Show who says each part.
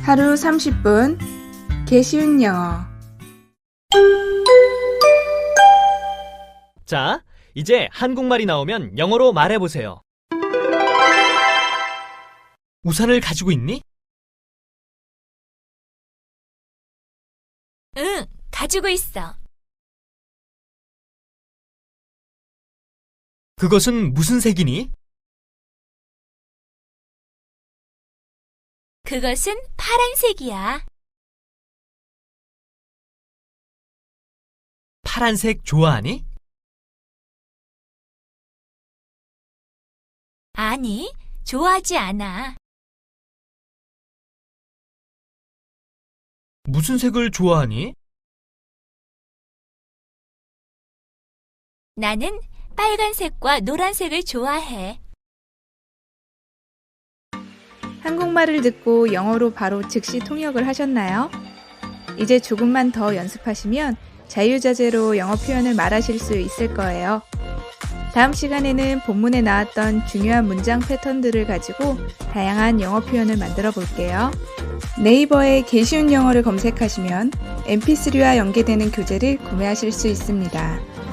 Speaker 1: 하루 30분 개쉬운 영어.
Speaker 2: 자, 이제 한국말이 나오면 영어로 말해보세요. 우산을 가지고 있니?
Speaker 3: 응, 가지고 있어.
Speaker 2: 그것은 무슨 색이니?
Speaker 3: 그것은 파란색이야.
Speaker 2: 파란색 좋아하니?
Speaker 3: 아니, 좋아하지 않아.
Speaker 2: 무슨 색을 좋아하니?
Speaker 3: 나는 빨간색과 노란색을 좋아해.
Speaker 1: 한국말을 듣고 영어로 바로 즉시 통역을 하셨나요? 이제 조금만 더 연습하시면 자유자재로 영어 표현을 말하실 수 있을 거예요. 다음 시간에는 본문에 나왔던 중요한 문장 패턴들을 가지고 다양한 영어 표현을 만들어 볼게요. 네이버에 개쉬운 영어를 검색하시면 mp3와 연계되는 교재를 구매하실 수 있습니다.